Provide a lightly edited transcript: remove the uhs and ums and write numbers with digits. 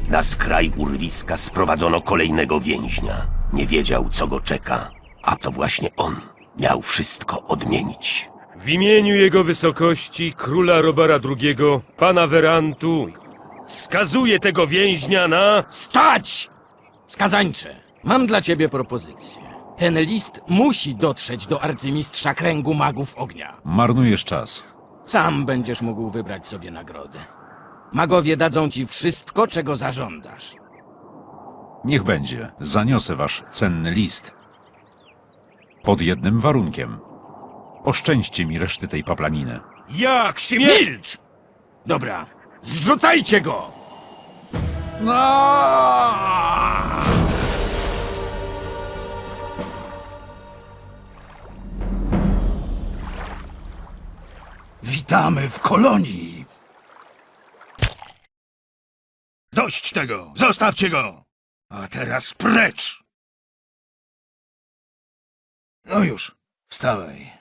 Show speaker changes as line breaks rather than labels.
Na skraj urwiska sprowadzono kolejnego więźnia. Nie wiedział, co go czeka, a to właśnie on miał wszystko odmienić.
W imieniu jego wysokości, króla Robara II, pana Werantu, skazuję tego więźnia na...
Stać! Skazańcze, mam dla ciebie propozycję. Ten list musi dotrzeć do arcymistrza Kręgu Magów Ognia.
Marnujesz czas.
Sam będziesz mógł wybrać sobie nagrodę. Magowie dadzą ci wszystko, czego zażądasz.
Niech będzie. Zaniosę wasz cenny list. Pod jednym warunkiem. Oszczędźcie mi reszty tej paplaniny.
Jak śmiesz!
Milcz! Dobra, zrzucajcie go!
Witamy w kolonii! Dość tego! Zostawcie go! A teraz precz! No już, wstawaj.